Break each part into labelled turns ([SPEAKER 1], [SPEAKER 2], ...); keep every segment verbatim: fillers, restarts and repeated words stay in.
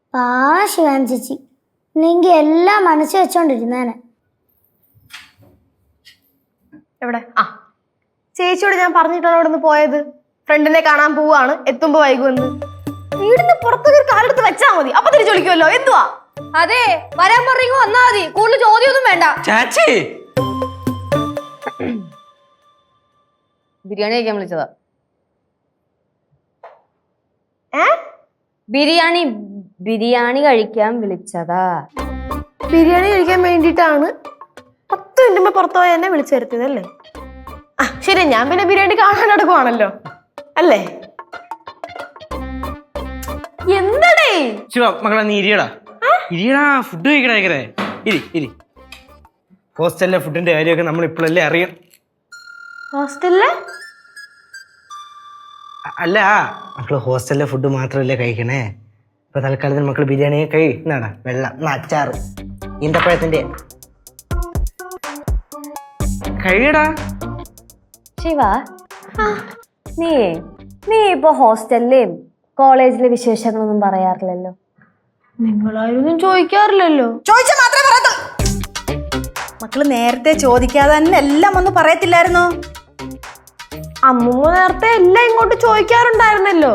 [SPEAKER 1] പാവ ശിവാനി ചേച്ചി, ഇല്ലെങ്കിൽ എല്ലാം മനസ്സിൽ വെച്ചോണ്ടിരുന്നേനെ.
[SPEAKER 2] എവിടെ? ആ ചേച്ചിയോട് ഞാൻ പറഞ്ഞിട്ടാണ് അവിടെ നിന്ന് പോയത്. ഫ്രണ്ടിനെ കാണാൻ പോവാണ്, എത്തുമ്പോ വൈകുമെന്ന്. വീടിന് പുറത്തൊരു കാലെടുത്ത് വെച്ചാ മതി, അപ്പൊ തിരിച്ചു വിളിക്കുമല്ലോ. എന്തുവാ?
[SPEAKER 3] അതെ, വരാൻ പറഞ്ഞു വന്നാ മതി, കൂടുതൽ ചോദ്യമൊന്നും വേണ്ട.
[SPEAKER 4] ചാച്ചി
[SPEAKER 3] ബിരിയാണി കഴിക്കാൻ വിളിച്ചതാ.
[SPEAKER 2] ഏ
[SPEAKER 3] ബിരിയാണി ബിരിയാണി കഴിക്കാൻ വിളിച്ചതാ.
[SPEAKER 2] ബിരിയാണി കഴിക്കാൻ വേണ്ടിയിട്ടാണ് പത്ത് മിനിറ്റ് പുറത്തു പോയി എന്നെ വിളിച്ചു വരുത്തിയത് അല്ലേ? ആ ശരി, ഞാൻ പിന്നെ ബിരിയാണി കാണാൻ നടക്കുവാണല്ലോ അല്ലേ? എന്തടേ
[SPEAKER 4] ശിവ മകളെ, നീ ഇരിയടാ ഇരിയടാ, ഫുഡ് കഴിക്കണേ കഴിക്കണേ. ഇരി ഇരി. ഹോസ്റ്റലിലെ ഫുഡിന്റെ കാര്യമൊക്കെ നമ്മൾ ഇപ്പോഴല്ലേ അറിയാം.
[SPEAKER 2] ഹോസ്റ്റലിലെ
[SPEAKER 4] അല്ല, മക്കള് ഹോസ്റ്റലിലെ ഫുഡ് മാത്രമല്ലേ കഴിക്കണേ. ഇപ്പൊ തൽക്കാലത്തിന് മക്കള് ബിരിയാണി കഴിന്നാടാ, വെള്ളം അച്ചാറ് ഈന്തപ്പഴത്തിന്റെ കഴിയടാ.
[SPEAKER 3] ശിവ, നീ നീ ഇപ്പൊ ഹോസ്റ്റലിലെയും കോളേജിലെ വിശേഷങ്ങളൊന്നും പറയാറില്ലല്ലോ.
[SPEAKER 2] നിങ്ങളാരും ചോദിക്കാറില്ലല്ലോ.
[SPEAKER 5] ചോദിച്ചാൽ മാത്രമേ പറയത്തുള്ളൂ. മക്കള് നേരത്തെ ചോദിക്കാതെ തന്നെ എല്ലാം ഒന്ന് പറയത്തില്ലായിരുന്നോ?
[SPEAKER 2] അമ്മൂമ്മ നേരത്തെ എല്ലാം ഇങ്ങോട്ട് ചോദിക്കാറുണ്ടായിരുന്നല്ലോ.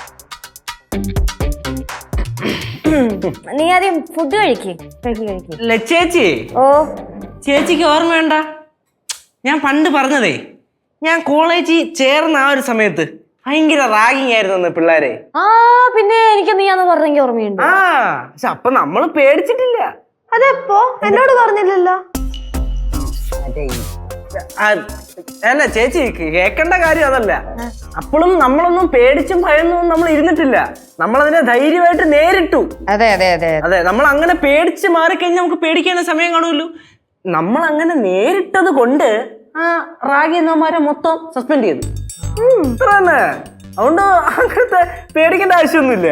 [SPEAKER 3] നീ ആദ്യം ഫുഡ് കഴിക്ക് കഴിക്ക് കഴിക്ക്.
[SPEAKER 4] ചേച്ചി,
[SPEAKER 3] ഓ
[SPEAKER 4] ചേച്ചിക്ക് ഓർമ്മ വേണ്ട, ഞാൻ പണ്ട് പറഞ്ഞതേ, ഞാൻ കോളേജിൽ ചേർന്ന ആ ഒരു സമയത്ത് ഭയങ്കര റാഗിങ് ആയിരുന്നു പിള്ളേരെ.
[SPEAKER 3] ആ പിന്നെ എനിക്ക് നീ അന്ന് പറഞ്ഞെങ്കിൽ ഓർമ്മയുണ്ട്.
[SPEAKER 4] ആ പക്ഷെ അപ്പൊ നമ്മള് പേടിച്ചിട്ടില്ല.
[SPEAKER 2] അതെപ്പോ എന്നോട് പറഞ്ഞില്ലല്ലോ.
[SPEAKER 4] അല്ല ചേച്ചി, കേൾക്കേണ്ട കാര്യം അതല്ല. അപ്പോഴും നമ്മളൊന്നും പേടിച്ചും ഭയന്നൊന്നും നമ്മൾ ഇരുന്നിട്ടില്ല. നമ്മളതിനെ ധൈര്യമായിട്ട് നേരിട്ടു.
[SPEAKER 3] അതെ അതെ അതെ
[SPEAKER 4] അതെ, നമ്മൾ അങ്ങനെ പേടിച്ച് മാറിക്കഴിഞ്ഞാൽ നമുക്ക് പേടിക്കാനുള്ള സമയം കാണുമല്ലോ. നമ്മൾ അങ്ങനെ നേരിട്ടത് കൊണ്ട് ആ റാഗി എന്നമാരെ മൊത്തം സസ്പെൻഡ് ചെയ്തു. ഇത്ര തന്നെ. അതുകൊണ്ട് അങ്ങനത്തെ പേടിക്കേണ്ട ആവശ്യമൊന്നുമില്ല.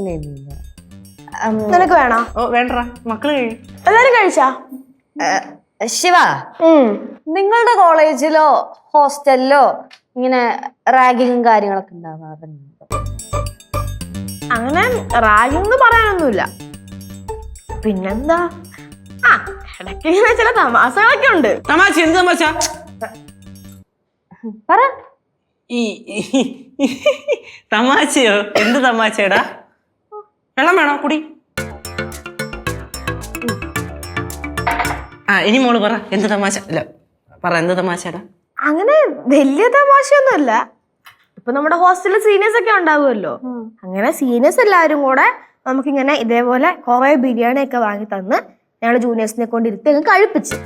[SPEAKER 2] നിനക്ക് വേണോ?
[SPEAKER 4] ഓ വേണ്ട, മക്കള് കഴിയും.
[SPEAKER 2] എല്ലാരും കഴിച്ചാ?
[SPEAKER 3] ശിവ, നിങ്ങളുടെ കോളേജിലോ ഹോസ്റ്റലിലോ ഇങ്ങനെ റാഗിങ്ങും കാര്യങ്ങളൊക്കെ ഉണ്ടാവാറുണ്ട്?
[SPEAKER 2] അങ്ങനെ റാഗിങ് പറയാനൊന്നുമില്ല. പിന്നെന്താ, ആ ഇടയ്ക്ക് ഇങ്ങനെ ചില തമാശകളൊക്കെ ഉണ്ട്.
[SPEAKER 4] തമാശ? എന്ത് തമാശ?
[SPEAKER 3] പറ.
[SPEAKER 4] ഈ തമാശയോ? എന്ത് തമാശടാ? വെള്ളം വേണോ? കുടി. ആ ഇനി മോള് പറ, എന്ത് തമാശ? അല്ല പറ, എന്ത് തമാശടാ?
[SPEAKER 2] അങ്ങനെ വലിയ തമാശയൊന്നുമല്ല. ഇപ്പൊ നമ്മുടെ ഹോസ്റ്റലിൽ സീനിയേഴ്സ് ഒക്കെ ഉണ്ടാവുമല്ലോ. അങ്ങനെ സീനിയേഴ്സ് എല്ലാവരും കൂടെ നമുക്കിങ്ങനെ ഇതേപോലെ കുറെ ബിരിയാണി ഒക്കെ വാങ്ങി തന്ന് ഞങ്ങള് ജൂനിയേഴ്സിനെ കൊണ്ട് ഇരുത്തി അങ്ങ് കഴിപ്പിച്ച്.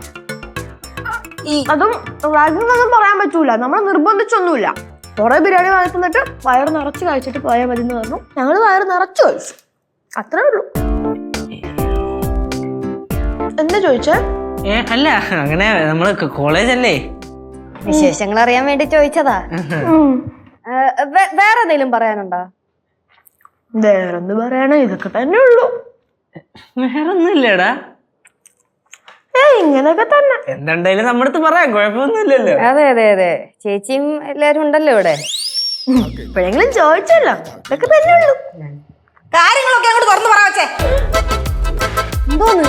[SPEAKER 2] അതും റാഗിങ്ങൊന്നും പറയാൻ പറ്റൂല, നമ്മളെ നിർബന്ധിച്ചൊന്നുമില്ല. കുറെ ബിരിയാണി വാങ്ങി തന്നിട്ട് വയറ് നിറച്ച് കഴിച്ചിട്ട് പോയാൽ മതി എന്ന് പറഞ്ഞു. ഞങ്ങള് വയറ് നിറച്ചു കഴിച്ചു, അത്രേ ഉള്ളൂ. എന്താ ചോദിച്ചേ?
[SPEAKER 4] ഏ അല്ല, അങ്ങനെ നമ്മള് കോളേജല്ലേ,
[SPEAKER 3] വിശേഷങ്ങൾ അറിയാൻ വേണ്ടി ചോദിച്ചതാ. വേറെ എന്തെങ്കിലും പറയാനുണ്ടോ?
[SPEAKER 2] വേറെന്ത് പറയാനാ, ഇതൊക്കെ തന്നെ ഉള്ളൂ.
[SPEAKER 4] വേറൊന്നുമില്ലടാ.
[SPEAKER 2] ഏ ഇങ്ങനൊക്കെ തന്നെ.
[SPEAKER 4] എന്തുണ്ടായാലും നമ്മുടെ അടുത്ത് പറയാം, കുഴപ്പമൊന്നുമില്ലല്ലോ.
[SPEAKER 3] അതെ അതെ അതെ, ചേച്ചിയും എല്ലാരും ഉണ്ടല്ലോ ഇവിടെ.
[SPEAKER 2] ഇപ്പോഴെങ്കിലും ചോദിച്ചല്ലോ, ഇതൊക്കെ തന്നെ ഉള്ളൂ.
[SPEAKER 5] കാര്യങ്ങളൊക്കെ അങ്ങോട്ട് തുറന്നു പറ വെച്ചേ.
[SPEAKER 3] എന്തോന്ന്?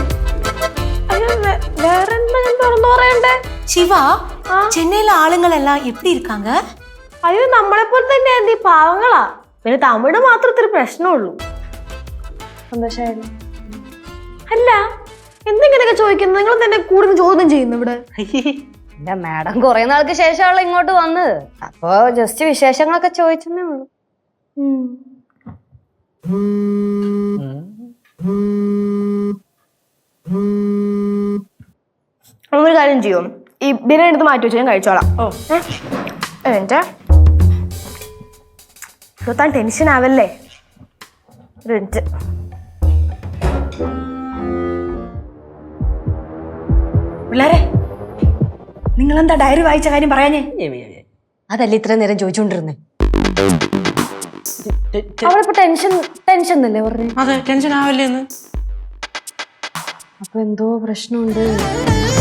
[SPEAKER 2] வேற என்ன நான் திறந்து வரேன்டே.
[SPEAKER 5] சிவா, சென்னையில ஆளுங்கள் எல்லாம் எப்படி இருக்காங்க?
[SPEAKER 2] അയ്യോ നമ്മളെ പോലെ തന്നെ ആന്റി, പാവങ്ങളാ. പിന്നെ തമിഴ് മാത്രത്തിൽ പ്രശ്നമുള്ളൂ.
[SPEAKER 3] സന്തോഷായിരുന്നു.
[SPEAKER 2] അല്ല എന്തെങ്കിലൊക്കെ ചോദിക്കുന്നു, നിങ്ങൾ തന്നെ കൂടുതൽ ചോദ്യം ചെയ്യുന്നു ഇവിടെ.
[SPEAKER 3] എന്റെ മാഡം കുറെ നാൾക്ക് ശേഷമുള്ള ഇങ്ങോട്ട് വന്ന്, അപ്പൊ ജസ്റ്റ് വിശേഷങ്ങളൊക്കെ ചോദിച്ചെന്നേ ഉള്ളൂ.
[SPEAKER 2] ഒരു കാര്യം ചെയ്യോ, ഈ ബിരിയാണി എടുത്ത് മാറ്റി വെച്ച് ഞാൻ കഴിച്ചോളാം. ഓ എന്റെ താൻ ടെൻഷൻ ആവല്ലേ. ഒരു മിനിറ്റ്.
[SPEAKER 5] പിള്ളേരെ, നിങ്ങളെന്താ ഡയറി വായിച്ച കാര്യം പറയാഞ്ഞേ?
[SPEAKER 3] അതല്ലേ ഇത്ര നേരം ചോദിച്ചോണ്ടിരുന്നേ. അവളിപ്പോ ടെൻഷൻ ടെൻഷൻ എന്നല്ലേ പറഞ്ഞു?
[SPEAKER 4] അതെ, ടെൻഷൻ ആവല്ലേ.
[SPEAKER 3] അപ്പൊ എന്തോ പ്രശ്നമുണ്ട്.